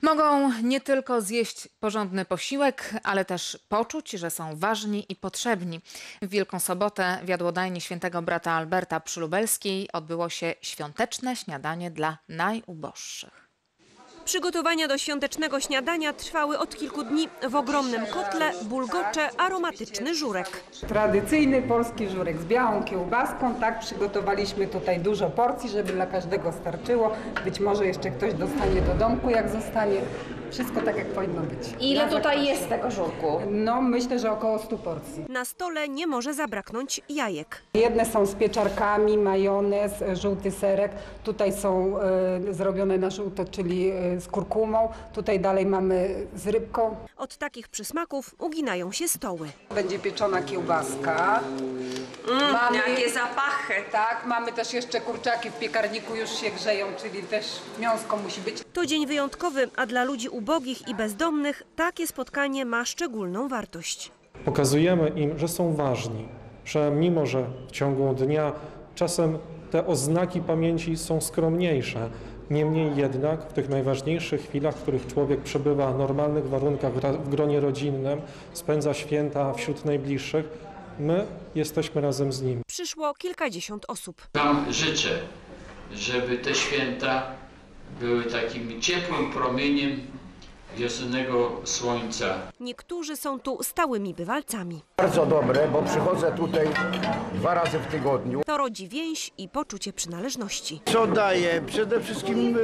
Mogą nie tylko zjeść porządny posiłek, ale też poczuć, że są ważni i potrzebni. W Wielką Sobotę w jadłodajni Świętego Brata Alberta przy Lubelskiej odbyło się świąteczne śniadanie dla najuboższych. Przygotowania do świątecznego śniadania trwały od kilku dni. W ogromnym kotle bulgocze aromatyczny żurek. Tradycyjny polski żurek z białą kiełbaską. Tak, przygotowaliśmy tutaj dużo porcji, żeby dla każdego starczyło. Być może jeszcze ktoś dostanie do domku, jak zostanie. Wszystko tak, jak powinno być. Ile tutaj jest tego żurku? No, myślę, że około 100 porcji. Na stole nie może zabraknąć jajek. Jedne są z pieczarkami, majonez, żółty serek. Tutaj są zrobione na żółto, czyli z kurkumą. Tutaj dalej mamy z rybką. Od takich przysmaków uginają się stoły. Będzie pieczona kiełbaska. Jakie zapachy! Tak, mamy też jeszcze kurczaki w piekarniku, już się grzeją, czyli też mięsko musi być. To dzień wyjątkowy, a dla ludzi ubogich i bezdomnych takie spotkanie ma szczególną wartość. Pokazujemy im, że są ważni, że mimo, że w ciągu dnia czasem te oznaki pamięci są skromniejsze, niemniej jednak w tych najważniejszych chwilach, w których człowiek przebywa w normalnych warunkach w gronie rodzinnym, spędza święta wśród najbliższych, my jesteśmy razem z nimi. Przyszło kilkadziesiąt osób. Wam życzę, żeby te święta były takim ciepłym promieniem wiosennego słońca. Niektórzy są tu stałymi bywalcami. Bardzo dobre, bo przychodzę tutaj 2 razy w tygodniu. To rodzi więź i poczucie przynależności. Co daje? Przede wszystkim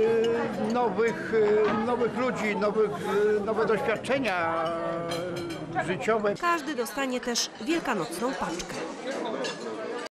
nowych ludzi, nowe doświadczenia życiowe. Każdy dostanie też wielkanocną paczkę.